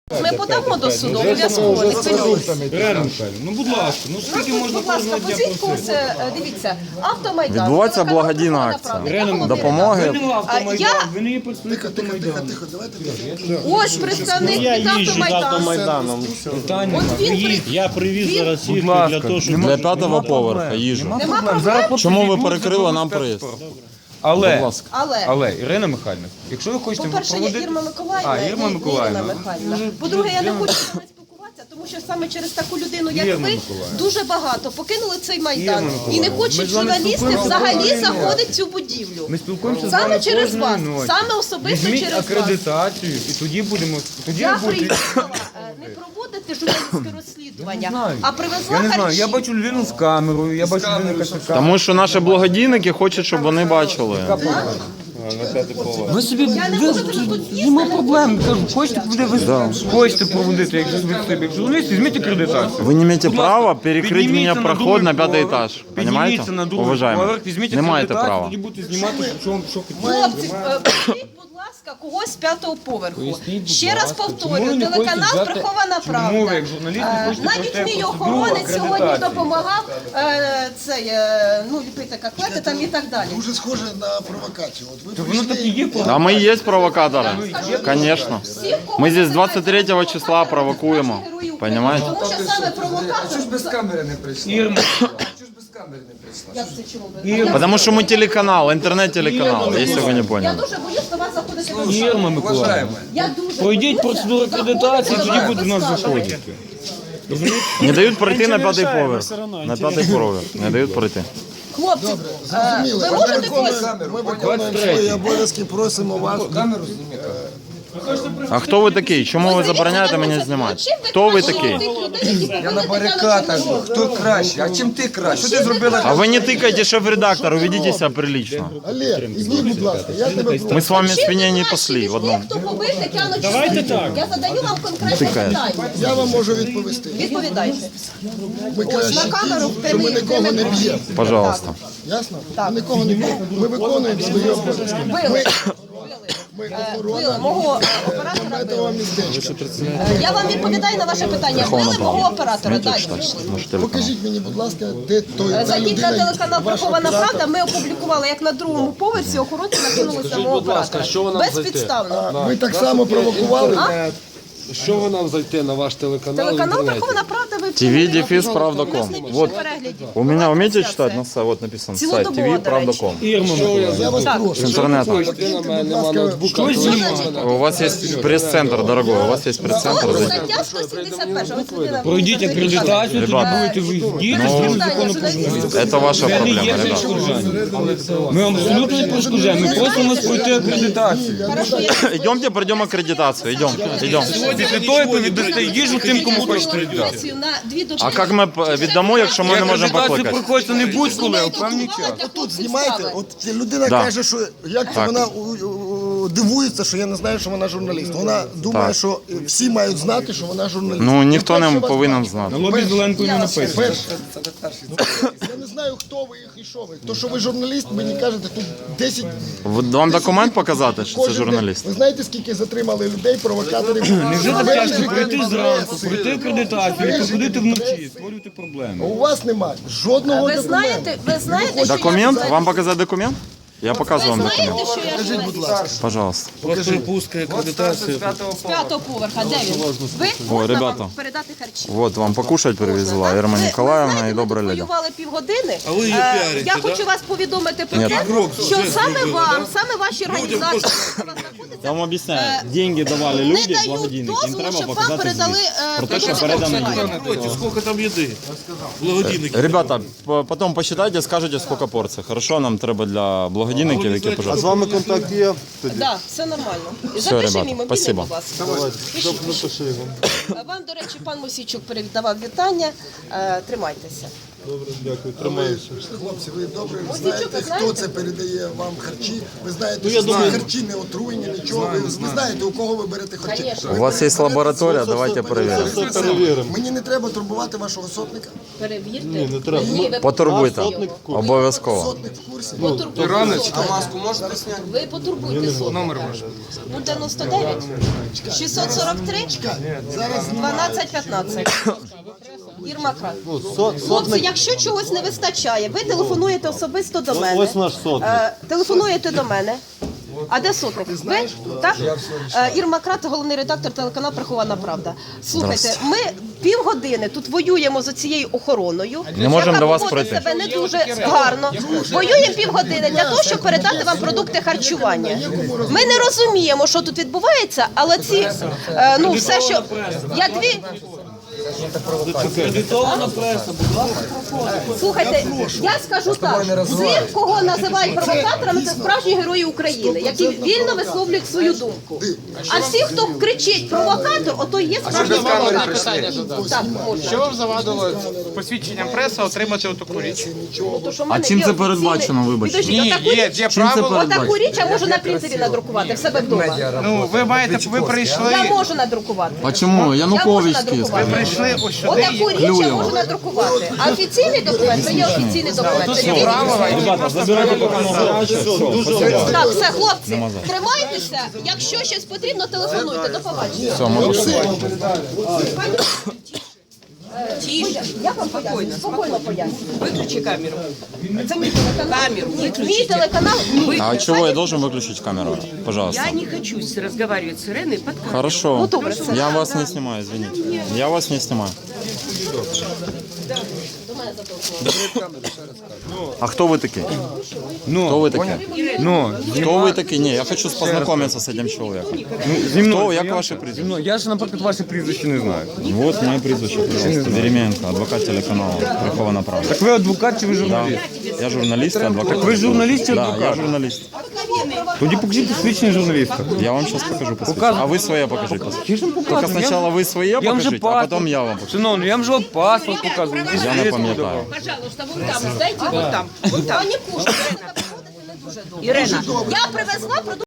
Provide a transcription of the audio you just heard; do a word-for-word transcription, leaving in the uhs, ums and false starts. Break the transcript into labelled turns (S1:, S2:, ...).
S1: Ми подамо до суду, обов'язково, не хвилюйтесь.
S2: Реально, Михайло, ну будь ласка, ну скільки
S1: Ну,
S2: можна
S1: будь ласка,
S2: кожного дня
S1: позвіть когось,
S2: просити?
S1: е, дивіться, автомайдан.
S3: Відбувається
S1: телеканал
S3: благодійна
S1: «Правда»,
S3: акція.
S1: «Правда»,
S2: Реально,
S1: Володимир.
S3: допомоги.
S2: Ви не автомайдан,
S1: я-
S2: ви не є представник
S4: Тихо, тихо,
S2: автомайдану.
S4: тихо, давайте.
S1: Ось представник від автомайдану.
S2: Питання
S1: От
S2: нема.
S1: він
S2: Приїдь.
S1: при-
S2: Я привіз
S1: він-
S2: зараз їх
S3: Будь ласка,
S2: для того, щоб...
S3: для п'ятого поверха їжу.
S1: Нема проблем.
S3: Чому ви перекрили нам проїзд?
S2: Але,
S3: Будь ласка.
S1: Але,
S2: але, Ірина Михайлівна, якщо ви хочете
S1: по-перше, є
S2: проводити...
S1: Ірма Миколаївна
S2: А,
S1: і
S2: Ірма
S1: і
S2: Миколаївна.
S1: Ірина Михайлівна.
S2: Дуже-
S1: По-друге, я не
S2: дуже-
S1: хочу з вами спілкуватися, тому що саме через таку людину, як
S2: Ірма
S1: ви,
S2: Миколаївна.
S1: дуже багато покинули цей майдан.
S2: Ірма
S1: І не
S2: Миколаївна, ми
S1: хочуть
S2: з вами
S1: журналісти
S2: спілкуємося
S1: взагалі
S2: кожної
S1: заходити в цю будівлю.
S2: Ми спілкуємося з
S1: Саме
S2: вами
S1: через
S2: кожної
S1: вас,
S2: ночі.
S1: саме особисто
S2: Візьміть
S1: через вас.
S2: акредитацію і тоді будемо... Тоді
S1: Я
S2: ви будете...
S1: приїхала е, не проводити журналістське розслідування,
S2: знаю.
S1: а привезла
S2: Я не знаю,
S1: харчі.
S2: я бачу людину з камерою, я бачу людину з камерою.
S3: Тому що наші благодійники хочуть, щоб вони бачили.
S2: Ви собі,
S1: Я не
S2: ви,
S1: можу тут їсти,
S2: нема
S1: не
S2: проблем, кажу, хочете проводити, ви хочете проводити, як ви собі як журналіст, візьміть акредитацію.
S3: Вы не имеете
S2: Будь ласка,
S3: права перекрыть
S2: підніміться
S3: мне
S2: на
S3: проход на
S2: другий
S3: пятый
S2: поверх,
S3: этаж.
S2: Підніміться
S3: Понимаете?
S2: на другий
S3: Уважаемый.
S2: поверх, візьміть
S3: Не маєте
S2: акредитацію,
S3: права.
S2: тоді будете знімати, що вам що хотіли.
S1: Хлопці, е, пошліть, будь ласка, когось з п'ятого поверху.
S2: Поясніть, будь
S1: Ще раз
S2: ласка, чому ви
S1: повторюю,
S2: не хочете
S1: телеканал
S2: взяти-
S1: «Прихована
S2: чому
S1: правда».
S2: ви, як журналіст, не
S1: Е,
S2: хочете
S1: Навіть
S2: пройти
S1: мій
S2: процедуру
S1: охоронець сьогодні
S2: акредитації?
S1: допомагав е, цей, е, ну, ліпити котлети там і так далі.
S4: Дуже схоже на провокацію. От ви
S2: То воно так і є.
S3: А мы и есть провокаторы. Конечно.
S1: Всіх, кого
S3: Мы здесь
S1: ви
S3: двадцать третьего
S1: знаєте,
S3: числа
S1: провокатори,
S3: провокуем.
S1: наші герої України.
S3: Понимаете?
S1: Тому що саме провокатор...
S5: Без камери не прийшла.
S2: Ірма,
S5: Чого ж без камери не прийшла?
S1: Як це чому ви?
S2: Ірма,
S3: Потому что мы телеканал, интернет-телеканал, если вы не
S1: Я
S3: поняли.
S1: дуже боюсь до вас заходити до
S2: Ірма
S1: зали.
S2: Миколаївна,
S5: Уважаємо.
S1: Я дуже
S2: пройдіть
S1: боюся
S2: процедуру акредитації,
S1: заходити
S2: тоді
S1: до
S2: буде у
S1: вас
S2: нас
S1: до зали.
S2: заходити.
S3: Не дают пройти на пятый поверх. На пятый поверх. Не дают пройти.
S1: Хлопці, е,
S4: зрозуміли.
S1: ви
S4: Ми
S1: можете когось...
S4: виконуємо, ми виконуємо свої обов'язки, просимо вас.
S5: Камеру зніміть.
S3: А хто ви такий? Чому ви забороняєте мені знімати? Хто ви такий?
S5: Я на барикадах. Хто краще? А чим ти краще? Що ти зробила?
S3: А вы не тыкайте шеф-редактору, ведите себя прилично.
S4: Олег, іди, будь ласка, я тебе прошу.
S3: Мы с вами свиней не пасли в одном.
S1: Хто побив Тетяну Чорновол? Я задаю вам конкретне
S3: Тикає.
S1: питання.
S4: Я вам можу відповісти.
S1: Відповідайте.
S4: Ми
S1: Ось на
S4: краще,
S1: камеру в
S4: що ми
S1: прямий
S4: нікого не
S1: прямий-
S4: б'ємо.
S3: Пожалуйста.
S4: Ясно? Ми нікого не б'ємо. Ми виконуємо свої обов'язки.
S1: Били.
S4: Ми
S1: Били
S4: охорона
S1: мого е, оператора.
S4: этого
S1: били.
S4: містечка.
S1: Е, Я вам відповідаю на ваше питання. Били мого оператора. Далі пішли.
S3: Наш телеканал.
S4: Покажіть мені, будь ласка, де той
S1: Е,
S4: та
S1: Зайдіть на
S4: людина,
S1: телеканал
S4: ваш
S1: «Прихована
S4: оператор.
S1: правда». Ми опублікували, як на другому поверсі охоронці накинулися на мого оператора. Безпідставно.
S4: Ви так само провокували.
S6: Що ви нам зайти на ваш телеканал? в
S1: Телеканал
S6: інтернеті?
S1: «Прихована правда». Ви
S3: ТВ дефис правда
S1: У нас
S3: ком.
S1: найбільше
S3: Вот.
S1: переглядів.
S3: У меня умеете
S1: Трансляція.
S3: читать на сайт? Вот написано сайт
S1: Цілодобово,
S3: тв
S1: до
S3: правда
S1: речі.
S3: ком.
S2: Ірма Миколаївна.
S4: Я вас прошу.
S3: С интернета.
S6: Ти на мене, нема ноутбука.
S2: Щось
S6: то
S2: знімати.
S3: У вас есть пресс-центр, дорогой, у вас есть пресс-центр.
S1: От
S3: Зайдите.
S1: стаття сто сімдесят перша. Ось людина
S2: Пройдіть
S1: мені
S2: акредитацію, тоді
S3: Ребята.
S2: будете виїздити
S1: Ну,
S2: згідно закону про журналістику.
S3: Это ваша
S2: Це не
S3: проблема,
S2: є
S3: ребята.
S2: перешкоджання. Ми вам абсолютно не перешкоджаємо, ми просимо вас пройти акредитацію.
S1: Хорошо, я
S3: Идемте, пройдем аккредитацию, идем, идем.
S2: Після того ви віддасте їжу тим, кому хочете віддати.
S1: сесію на дві дочки.
S3: А як ми п- віддамо, якщо ми не можемо
S2: Акредитацію
S3: покликати?
S2: приходиться не будь-коли, а в певний час.
S4: Тут знімайте, от людина
S3: Да.
S4: каже, що як
S3: Так.
S4: вона у- у- дивується, що я не знаю, що вона журналіст. Вона думає,
S3: Так.
S4: що всі мають знати, що вона журналіст.
S3: Ну, ніхто
S4: Перше
S3: не
S4: вас
S3: повинен
S4: бачу.
S3: знати.
S2: На лобі зеленкою не написано.
S4: Перше. Я не знаю, хто ви і що ви. То, що ви журналіст, мені кажете, тут десять...
S3: В- Вам документ показати, що це
S4: кожен
S3: журналіст?
S4: день. Ви знаєте, скільки затримали людей, провокаторів?
S2: Невже так
S4: Вельми
S2: тяжко прийти
S4: вельми
S2: зранку,
S4: вельми
S2: пройти акредитацію, і приходити вночі, створювати проблеми?
S4: У вас немає жодного
S1: Ви
S4: документу.
S1: знаєте, ви знаєте, що
S3: Документ?
S1: я...
S3: Вам показати документ? Я показую вам
S1: Ви
S3: документ.
S1: знаєте, що я
S4: Покажіть, будь
S1: журналіст?
S4: ласка.
S3: Пожалуйста.
S6: Пропуска, акредитація.
S1: З п'ятого поверха, де він? Ви
S3: Ой,
S1: можна
S3: ребята.
S1: вам передати харчі?
S3: Вот вам покушать привезла
S1: Так?
S3: Ирма
S1: Ви-
S3: Николаевна
S1: ви
S3: и
S1: знаєте, ми
S3: добрая
S1: тут
S3: леди.
S1: воювали півгодини.
S6: А ви її
S1: Е,
S6: піарите,
S1: Я
S6: да?
S1: хочу вас повідомити про
S3: Ні.
S1: те, що саме вам, саме ваші організації, які у вас знаходяться,
S3: Я вам объясняю,
S1: Е,
S3: деньги давали
S1: не
S3: люди,
S1: дають
S3: благодійники, їм
S1: дозволу,
S3: треба
S1: щоб вам
S3: показати
S1: передали
S3: звіт.
S1: е,
S3: Про те, що
S1: продукцію
S3: передано
S1: харчування.
S3: їм.
S6: Напротив, скільки там їди? Благодійники.
S3: Ребята, по- потом посчитайте, скажете, сколько порций. Хорошо, нам треба для благодійників, які
S6: А з
S3: пожалуйста.
S6: вами контакт є?
S1: Так, все нормально.
S3: Все,
S1: Запиши
S3: ребята,
S1: мій мобільний,
S3: спасибо.
S1: будь ласка. Пишіть, пишіть. Вам, до речі, пан Мосійчук передавав вітання. Е, Тримайтеся.
S6: Добре, дякую, тримаюся.
S4: Хлопці, ви добре
S1: Ось
S4: знаєте,
S1: нічого,
S4: хто
S1: знаєте?
S4: це передає вам харчі. Ви знаєте,
S6: Ну, я
S4: що ці
S6: думаю-
S4: харчі не отруєні, нічого. Ви, ви знаєте, у кого ви берете харчі.
S1: Конечно.
S3: У вас є лабораторія, давайте перевіримо.
S6: Все перевіримо.
S4: Мені не треба турбувати вашого сотника.
S1: Перевірте.
S6: Ні, не треба.
S1: Ні, ви
S3: Потурбуйте.
S6: Сотник в курсі.
S3: Обов'язково.
S4: Сотник в курсі.
S1: потурбуйте
S5: Іванович,
S1: сотника.
S5: а маску можете зняти?
S1: Ви потурбуйте сотника.
S5: Номер ваш.
S1: нуль дев'яносто дев'ять шістсот сорок три дванадцять п'ятнадцять. Єрмака. Хлопці, якщо чогось не вистачає, ви телефонуєте особисто до мене.
S6: Ось наш сотник.
S1: Е, Телефонуєте до мене. А де сотник? Ви? Так? Е, Ірма Крат, головний редактор телеканалу «Прихована правда». Слухайте, ми півгодини тут воюємо з цією охороною,
S3: Не можемо
S1: яка
S3: до вас
S1: поводить
S3: пройти.
S1: себе не дуже гарно. Воюємо півгодини для того, щоб передати вам продукти харчування. Ми не розуміємо, що тут відбувається, але ці, е, ну, все, що... Я дві... Слухайте, я скажу так, всіх, кого називають провокаторами, це справжні герої України, які вільно висловлюють свою думку. А всі, хто кричить провокатор, ото і є справжній провокатор. Так, можна.
S7: Що вам завадило посвідченням преси отримати отаку річ?
S1: Ну, то, що в
S3: А
S1: мене
S3: чим
S1: є
S3: це
S1: офіційний-
S3: передбачено, вибачте?
S1: Підождіть,
S7: Ні,
S1: отаку
S7: є,
S1: річ-
S7: є
S3: Чим це
S7: право.
S3: передбачено?
S1: Отаку річ я можу на принтері надрукувати в себе вдома.
S7: Ну, ви маєте, ви прийшли,
S1: Я можу надрукувати.
S3: А чому?
S1: Я можу
S3: Янукович
S1: надрукувати.
S3: тиск.
S7: прийшли ось сюди.
S1: Отаку річ я можу надрукувати. А офіційний документ це є офіційний документ. Це він- Так, все, хлопці, тримайтеся. Якщо щось потрібно, телефонуйте. До побачення.
S3: Все, можу.
S1: Тише. Я вам поясню, спокійно поясню. Виключи камеру. Це мій телеканал. Камеру. Мій телеканал.
S3: А чего я должен выключить камеру? Пожалуйста.
S8: Я не хочу с- разговаривать с Иреной под камерой.
S3: Хорошо.
S1: добре, це.
S3: Я вас не снимаю, извините. Я вас не снимаю. А кто вы такие? Кто вы такие?
S2: Ну,
S3: Кто вы такие? Не, я хочу познакомиться с этим человеком.
S2: зі мною.
S3: Кто, як
S2: я-
S3: ваше
S2: зі
S3: прізвище?
S2: мною. Я ж, наприклад, ваше прізвище не знаю.
S3: Вот моє прізвище, пожалуйста. Веременко, адвокат телеканалу «Прихована правда».
S2: Так ви адвокат чи ви
S3: Да.
S2: журналіст?
S3: Я журналіст і адвокат.
S2: ви журналіст чи
S3: Да,
S2: адвокат?
S3: я журналіст.
S2: Тоді покажіть посвідчення журналіста.
S3: Я вам сейчас покажу посвідчення. А ви своє покажіть посвідчення.
S2: Я ж вам
S3: Только
S2: показую.
S3: спочатку ви своє
S2: Я вам вже
S3: покажіть, а
S2: паспорт.
S3: потім я вам покажу.
S2: Шановний, я вам вже паспорт показую.
S3: Я не пам'ятаю.
S8: Пожалуйста, вон там, сдайте, вон там, вон там.
S1: Пані Пушкіна,
S8: Ирена,
S1: я привезла продукти.